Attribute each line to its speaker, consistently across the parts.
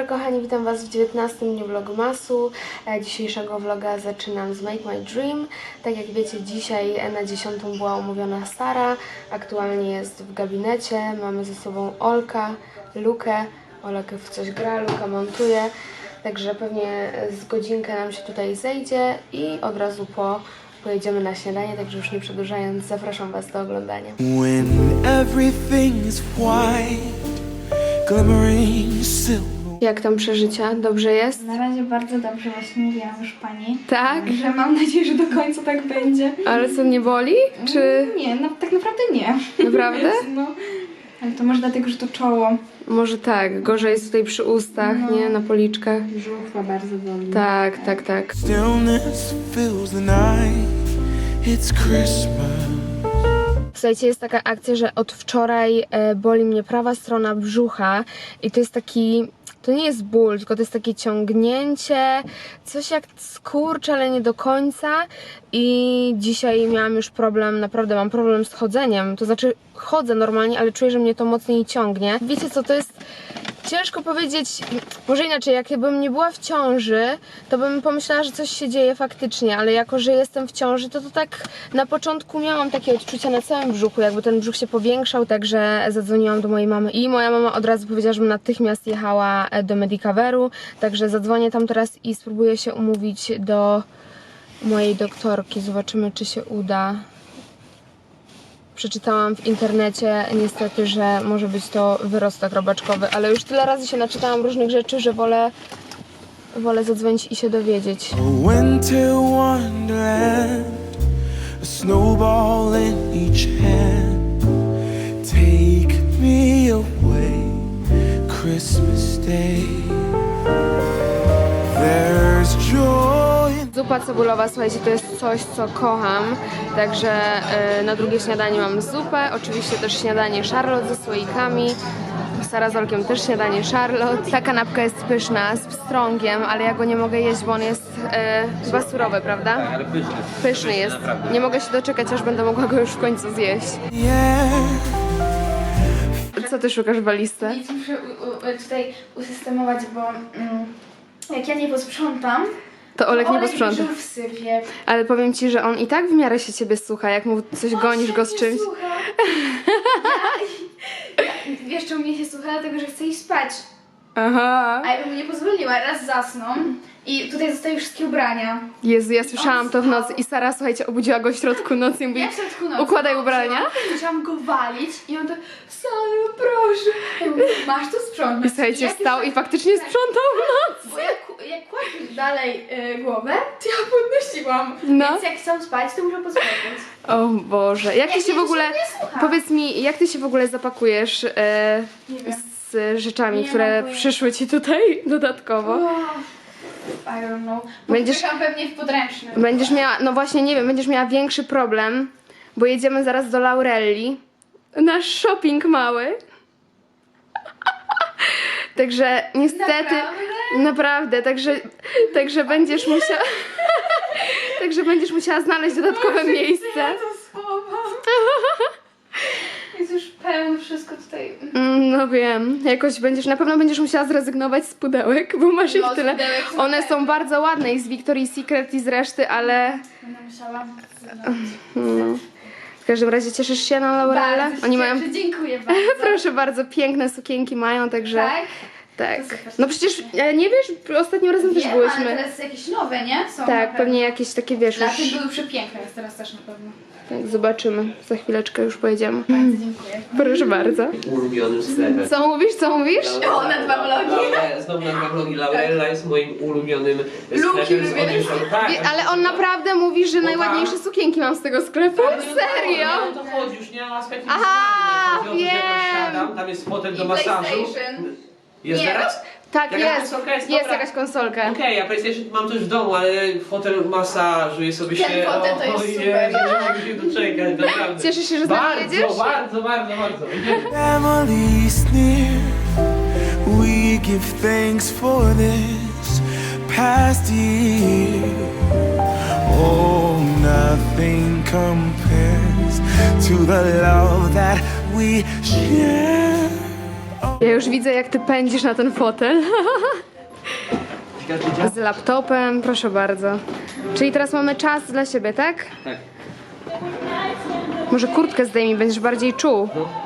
Speaker 1: kochani, witam Was w 19 dniu vlogmasu. Dzisiejszego vloga zaczynam z Make My Dream. Tak jak wiecie, dzisiaj na 10 była umówiona Sara. Aktualnie jest w gabinecie. Mamy ze sobą Olka, Lukę. Olek w coś gra, Luka montuje. Także pewnie z godzinkę nam się tutaj zejdzie i od razu pojedziemy na śniadanie, także już nie przedłużając, zapraszam Was do oglądania.
Speaker 2: When everything is white, glimmering silver.
Speaker 1: Jak tam przeżycia? Dobrze jest?
Speaker 3: Na razie bardzo dobrze, właśnie mówiłam już pani.
Speaker 1: Tak?
Speaker 3: Że mam nadzieję, że do końca tak będzie.
Speaker 1: Ale co, nie boli? Czy
Speaker 3: Nie, no, tak naprawdę nie.
Speaker 1: naprawdę?
Speaker 3: No, ale to może dlatego, że to czoło.
Speaker 1: Może tak, gorzej jest tutaj przy ustach, nie? Na policzkach.
Speaker 3: Brzuch ma bardzo boli.
Speaker 1: Tak.
Speaker 2: Stillness fills the night. It's Christmas.
Speaker 1: Słuchajcie, jest taka akcja, że od wczoraj boli mnie prawa strona brzucha i to jest taki... To nie jest ból, tylko to jest takie ciągnięcie, coś jak skurcz, ale nie do końca. I dzisiaj miałam już problem, naprawdę mam problem z chodzeniem. To znaczy chodzę normalnie, ale czuję, że mnie to mocniej ciągnie. Wiecie co, to jest ciężko powiedzieć, może inaczej, jakbym nie była w ciąży, to bym pomyślała, że coś się dzieje faktycznie, ale jako, że jestem w ciąży, to tak na początku miałam takie odczucia na całym brzuchu, jakby ten brzuch się powiększał, także zadzwoniłam do mojej mamy i moja mama od razu powiedziała, żebym natychmiast jechała do Medicoveru, także zadzwonię tam teraz i spróbuję się umówić do mojej doktorki, zobaczymy, czy się uda. Przeczytałam w internecie niestety, że może być to wyrostek robaczkowy, ale już tyle razy się naczytałam różnych rzeczy, że wolę zadzwonić i się dowiedzieć.
Speaker 2: A winter wonderland, a snowball in each hand. Take me away, Christmas Day. There's joy.
Speaker 1: Zupa cebulowa, słuchajcie, to jest coś, co kocham, także na drugie śniadanie mam zupę, oczywiście też śniadanie Charlotte ze słoikami, Sara z Olkiem też śniadanie Charlotte. Ta kanapka jest pyszna, z pstrągiem, ale ja go nie mogę jeść, bo on jest chyba surowy, prawda?
Speaker 4: Tak, ale pyszny.
Speaker 1: Pyszny jest.
Speaker 4: Naprawdę.
Speaker 1: Nie mogę się doczekać, aż będę mogła go już w końcu zjeść.
Speaker 2: Yeah.
Speaker 1: Co ty szukasz w walizce?
Speaker 3: Nic muszę tutaj usystemować, bo jak ja nie posprzątam,
Speaker 1: To Olek nie
Speaker 3: Olek
Speaker 1: posprząta.
Speaker 3: brzuch sypie.
Speaker 1: Ale powiem ci, że on i tak w miarę się ciebie słucha, jak mu coś gonisz go z czymś.
Speaker 3: Słucha. Wiesz, czemu mnie się słucha? Dlatego, że chce iść spać.
Speaker 1: Aha.
Speaker 3: A ja bym mu nie pozwoliła, raz zasną i tutaj zostały wszystkie ubrania.
Speaker 1: Jezu, ja słyszałam to w nocy i Sara, słuchajcie, obudziła go w środku nocy i mówi,
Speaker 3: Ja w środku nocy
Speaker 1: układaj ubrania.
Speaker 3: Chciałam go walić i on tak, Saru, proszę. Ja mówię, masz to sprzątnąć.
Speaker 1: I słuchajcie,
Speaker 3: Jak
Speaker 1: wstał
Speaker 3: już-
Speaker 1: i faktycznie sprzątał w nocy.
Speaker 3: Bo jak kładł dalej głowę, to ja podnosiłam.
Speaker 1: No.
Speaker 3: Więc jak chcą spać, to muszę pozwolić.
Speaker 1: O Boże, jak ty
Speaker 3: Jak
Speaker 1: się w
Speaker 3: nie,
Speaker 1: ogóle,
Speaker 3: to się nie słucha.
Speaker 1: powiedz mi, jak ty się w ogóle zapakujesz
Speaker 3: Nie wiem.
Speaker 1: z rzeczami,
Speaker 3: Nie
Speaker 1: które
Speaker 3: mam pojęcia.
Speaker 1: przyszły ci tutaj dodatkowo?
Speaker 3: I don't know.
Speaker 1: Będziesz-
Speaker 3: Będziesz pewnie w podręcznym.
Speaker 1: Będziesz miała, no właśnie nie wiem, będziesz miała większy problem, bo jedziemy zaraz do Laurelli. Nasz shopping mały. Także niestety, naprawdę, także będziesz musiała, także będziesz musiała znaleźć dodatkowe miejsce.
Speaker 3: To słowa. Jest już pełno wszystko tutaj.
Speaker 1: No wiem, jakoś na pewno będziesz musiała zrezygnować z pudełek, bo masz ich
Speaker 3: No, z
Speaker 1: tyle.
Speaker 3: pudełek są
Speaker 1: One są bardzo ładne i z Victoria's Secret i z reszty, ale
Speaker 3: Będę musiała.
Speaker 1: no. W każdym razie cieszysz się na Laurelę?
Speaker 3: Bardzo się
Speaker 1: Oni mają,
Speaker 3: cieszę, dziękuję bardzo.
Speaker 1: proszę bardzo, piękne sukienki mają, także
Speaker 3: Tak?
Speaker 1: tak.
Speaker 3: To super.
Speaker 1: No przecież nie wiesz, ostatnim razem też
Speaker 3: Wiem,
Speaker 1: byłyśmy.
Speaker 3: ale teraz jakieś nowe, nie? Są
Speaker 1: Tak, pewnie jakieś takie, wiesz,
Speaker 3: Dla
Speaker 1: już,
Speaker 3: tych były przepiękne, jest teraz też na pewno.
Speaker 1: tak, zobaczymy. Za chwileczkę już pojedziemy.
Speaker 3: Bardzo dziękuję.
Speaker 1: Proszę bardzo.
Speaker 4: Ulubionym sklepem.
Speaker 1: Co mówisz, co mówisz?
Speaker 3: O, na dwa vlogi.
Speaker 4: Znowu na dwa vlogi. Laurella jest moim ulubionym sklepem z
Speaker 3: ulubiony
Speaker 4: odzieżą. Tak,
Speaker 1: Ale on naprawdę mówi, że najładniejsze sukienki mam z tego sklepu? Serio?
Speaker 4: Nie o to chodzi, już nie ma aspektu
Speaker 1: Aha,
Speaker 4: wizualnego. Chodzi o to, że tam
Speaker 1: wiem.
Speaker 4: siadam, tam jest fotel do
Speaker 3: I
Speaker 4: masażu.
Speaker 3: PlayStation.
Speaker 4: Jest
Speaker 3: Nie.
Speaker 4: teraz?
Speaker 1: Tak,
Speaker 4: Jakaś
Speaker 1: jest.
Speaker 4: konsolka jest?
Speaker 1: Jest
Speaker 4: Dobra.
Speaker 1: jakaś konsolka.
Speaker 4: Okej, ja PlayStation mam też w domu, ale fotel masażuje sobie
Speaker 3: Ten
Speaker 4: się.
Speaker 3: fotel to jest
Speaker 4: ojej,
Speaker 3: super.
Speaker 4: nie mogę się doczekać, naprawdę.
Speaker 1: Cieszysz się, że z nami jedziesz?
Speaker 4: Bardzo.
Speaker 2: Family's near. We give thanks for this past year. Oh, nothing compares to the love that we share. Oh.
Speaker 1: Ja już widzę, jak ty pędzisz na ten fotel. Z laptopem, proszę bardzo. Czyli teraz mamy czas dla siebie, tak?
Speaker 4: Tak.
Speaker 1: Może kurtkę zdejmij, będziesz bardziej czuł.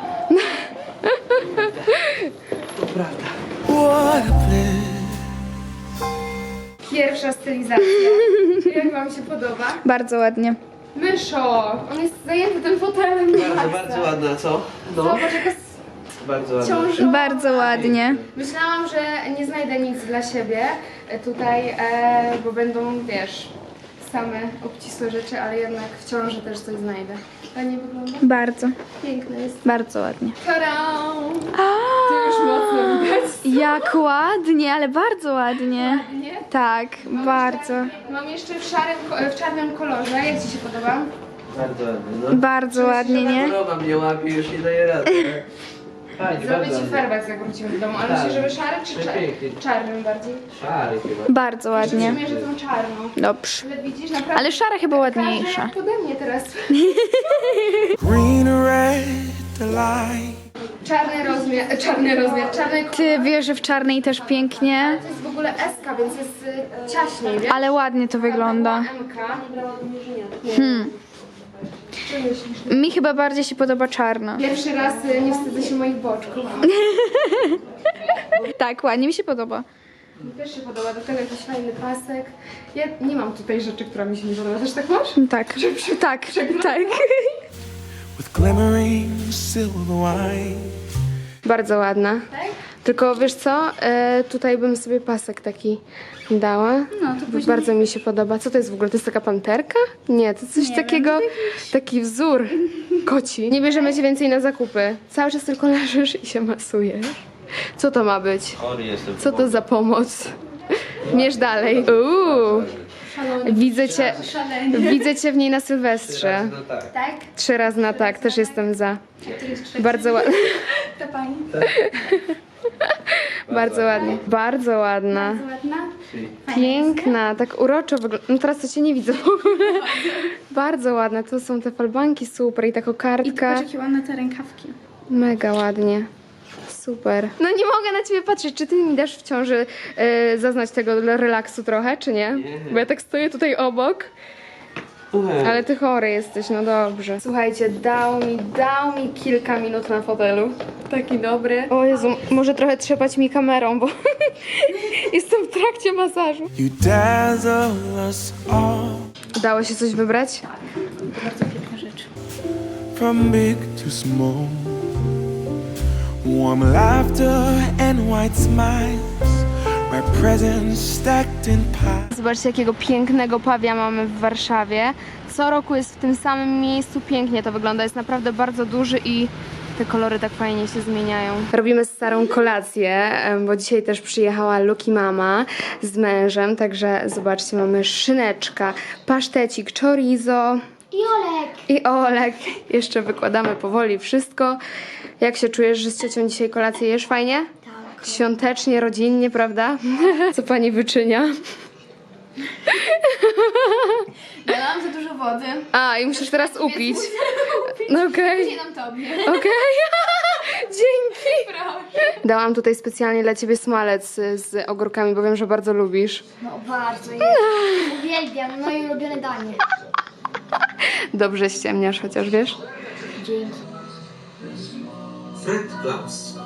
Speaker 4: To prawda.
Speaker 2: What a bliss.
Speaker 1: Pierwsza stylizacja. Jak wam się podoba?
Speaker 5: Bardzo ładnie.
Speaker 1: Myszo, on jest zajęty tym fotelem.
Speaker 4: Bardzo ładna, co? No,
Speaker 1: Zobacz, jaka
Speaker 4: bardzo ładna.
Speaker 1: ciążowa.
Speaker 5: Bardzo ładnie.
Speaker 1: Myślałam, że nie znajdę nic dla siebie tutaj, bo będą, wiesz, same obcisłe rzeczy, ale jednak w ciąży też coś znajdę. Ładnie wygląda?
Speaker 5: Bardzo.
Speaker 1: Piękne jest.
Speaker 5: Bardzo ładnie.
Speaker 1: Tadam! To już mocno widać.
Speaker 5: Jak ładnie, ale bardzo ładnie.
Speaker 1: Nie?
Speaker 5: Tak, bardzo.
Speaker 1: Mam jeszcze w czarnym kolorze. Jak ci się podoba?
Speaker 4: Bardzo ładna, no.
Speaker 5: Bardzo ładnie, nie?
Speaker 4: Choroba mnie łapie, już nie daje rady. Fajnie,
Speaker 1: Zrobię
Speaker 4: bardzo
Speaker 1: ci
Speaker 4: ładnie.
Speaker 1: farbać, jak wrócimy do domu. Ale
Speaker 4: Tak.
Speaker 1: myślisz, żeby szary czy
Speaker 4: Przepięknie.
Speaker 1: czarnym bardziej?
Speaker 4: Szary chyba.
Speaker 5: Bardzo ładnie.
Speaker 1: Myślę, że tą czarną.
Speaker 5: Dobrze.
Speaker 1: Ale widzisz, naprawdę...
Speaker 5: Ale szara chyba
Speaker 1: Każdy
Speaker 5: ładniejsza.
Speaker 1: jak pode mnie teraz.
Speaker 2: Green or red, the light.
Speaker 1: Czarny rozmiar, czarny kolor.
Speaker 5: Ty wiesz, że w czarnej też pięknie,
Speaker 1: To jest w ogóle S-ka, więc jest ciaśniej, wiesz?
Speaker 5: ale ładnie to wygląda.
Speaker 1: M-ka. Co myślisz?
Speaker 5: Mi chyba bardziej się podoba czarna.
Speaker 1: Pierwszy raz nie wstydzę się moich boczków.
Speaker 5: Tak, ładnie mi się podoba.
Speaker 1: Mi też się podoba, do tego jakiś fajny pasek. Ja nie mam tutaj rzeczy, która mi się nie podoba. Też tak masz?
Speaker 5: Tak, tak, tak.
Speaker 2: With glimmering silver wine.
Speaker 1: Bardzo ładna.
Speaker 5: Tak?
Speaker 1: Tylko wiesz co? Tutaj bym sobie pasek taki dała.
Speaker 5: No, to później-
Speaker 1: Bardzo mi się podoba. Co to jest w ogóle? To jest taka panterka? Nie, to coś takiego, taki wzór koci. Nie bierzemy cię więcej na zakupy. Cały czas tylko leżysz i się masujesz. Co to ma być?
Speaker 4: Chory jestem.
Speaker 1: Co to za pomoc? Mierz dalej. Widzę cię w niej na Sylwestrze.
Speaker 4: No tak.
Speaker 5: Tak?
Speaker 1: 3 razy na tak, też jestem za. Bardzo ładna.
Speaker 5: To pani.
Speaker 1: Bardzo ładnie. Bardzo ładna.
Speaker 5: Ładna?
Speaker 1: Piękna, tak uroczo wygląda. No teraz to cię nie widzę w ogóle. Bardzo ładne. To są te falbanki super i ta kokardka.
Speaker 5: jakie ładne te rękawki.
Speaker 1: Mega ładnie. Super. No nie mogę na ciebie patrzeć. Czy ty mi dasz w ciąży zaznać tego relaksu trochę, czy nie? Bo ja tak stoję tutaj obok. Ale ty chory jesteś, no dobrze. Słuchajcie, dał mi kilka minut na fotelu. Taki dobry. O Jezu, może trochę trzepać mi kamerą, bo jestem w trakcie masażu.
Speaker 2: You dazzle us all.
Speaker 1: Udało się coś wybrać?
Speaker 5: Bardzo piękna rzecz.
Speaker 2: From big to small. Warm laughter and white smiles. My presents stacked in piles.
Speaker 1: Zobaczcie, jakiego pięknego pawia mamy w Warszawie. Co roku jest w tym samym miejscu. Pięknie to wygląda. Jest naprawdę bardzo duży i te kolory tak fajnie się zmieniają. Robimy starą kolację, bo dzisiaj też przyjechała Luki mama z mężem. Także zobaczcie, mamy szyneczka, pasztecik, chorizo. I Olek. Jeszcze wykładamy powoli wszystko. Jak się czujesz, że z ciocią dzisiaj kolację jesz? Fajnie? Tak. Świątecznie, rodzinnie, prawda? Co pani wyczynia?
Speaker 5: Dałam za dużo wody.
Speaker 1: A, i musisz teraz upić. No okej.
Speaker 5: Dam tobie.
Speaker 1: Okej. Dzięki. Dałam tutaj specjalnie dla ciebie smalec z ogórkami, bo wiem, że bardzo lubisz.
Speaker 6: No bardzo, jest. Uwielbiam, moje ulubione danie.
Speaker 1: Dobrze ściemniasz, chociaż wiesz?
Speaker 6: Dzięki.
Speaker 4: Fred Klaus.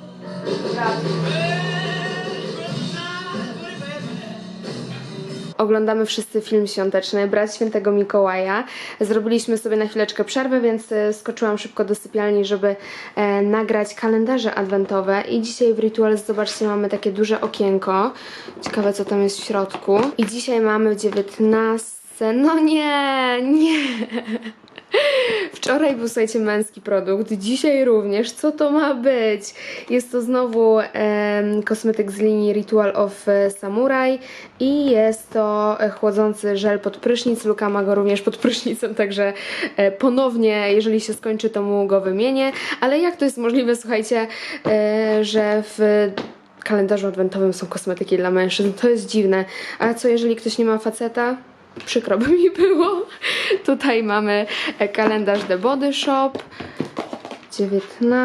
Speaker 1: Oglądamy wszyscy film świąteczny, Brat Świętego Mikołaja. Zrobiliśmy sobie na chwileczkę przerwę, więc skoczyłam szybko do sypialni, żeby nagrać kalendarze adwentowe. I dzisiaj w Rituals, zobaczcie, mamy takie duże okienko. Ciekawe, co tam jest w środku. I dzisiaj mamy 19... No nie. Wczoraj był, słuchajcie, męski produkt, dzisiaj również. Co to ma być? Jest to znowu kosmetyk z linii Ritual of Samurai i jest to chłodzący żel pod prysznic. Luka ma go również pod prysznicem, także ponownie, jeżeli się skończy, to mu go wymienię. Ale jak to jest możliwe, słuchajcie, że w kalendarzu adwentowym są kosmetyki dla mężczyzn? To jest dziwne. A co, jeżeli ktoś nie ma faceta? Przykro by mi było. Tutaj mamy kalendarz The Body Shop. 19.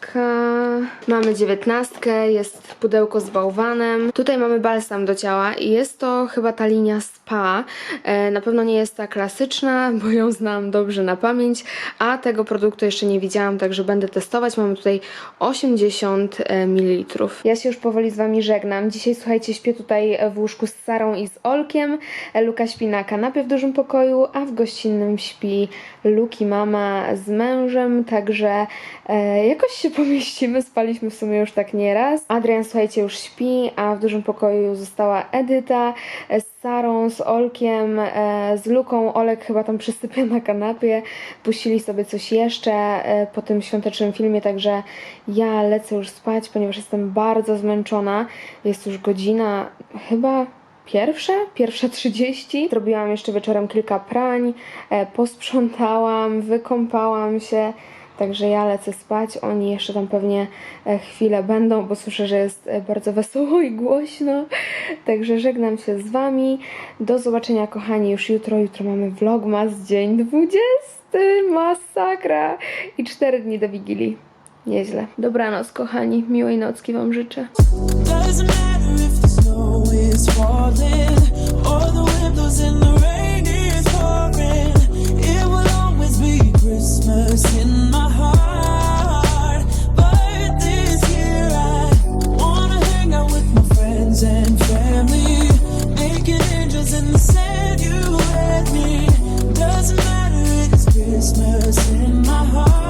Speaker 1: Mamy 19, jest pudełko z bałwanem. Tutaj mamy balsam do ciała i jest to chyba ta linia spa. Na pewno nie jest ta klasyczna, bo ją znam dobrze na pamięć, a tego produktu jeszcze nie widziałam, także będę testować. Mamy tutaj 80 ml. Ja się już powoli z Wami żegnam. Dzisiaj, słuchajcie, śpię tutaj w łóżku z Sarą i z Olkiem. Luka śpi na kanapie w dużym pokoju, a w gościnnym śpi Luki mama z mężem, także jakoś się pomieścimy. Spaliśmy w sumie już tak nieraz. Adrian, słuchajcie, już śpi, a w dużym pokoju została Edyta z Sarą, z Olkiem, z Luką. Olek chyba tam przysypia na kanapie. Puścili sobie coś jeszcze po tym świątecznym filmie, także ja lecę już spać, ponieważ jestem bardzo zmęczona. Jest już godzina chyba pierwsza 30. Zrobiłam jeszcze wieczorem kilka prań, posprzątałam, wykąpałam się. Także ja lecę spać, oni jeszcze tam pewnie chwilę będą, bo słyszę, że jest bardzo wesoło i głośno. Także żegnam się z Wami. Do zobaczenia, kochani, już jutro. Jutro mamy vlogmas, dzień 20. Masakra. I 4 dni do Wigilii. Nieźle. Dobranoc, kochani. Miłej nocki Wam życzę.
Speaker 2: Doesn't matter if the snow is falling or the wind blows and the rain is pouring. It will always be Christmas in my heart. But this year I wanna hang out with my friends and family, making angels in the sand. You and me. Doesn't matter, it's Christmas in my heart.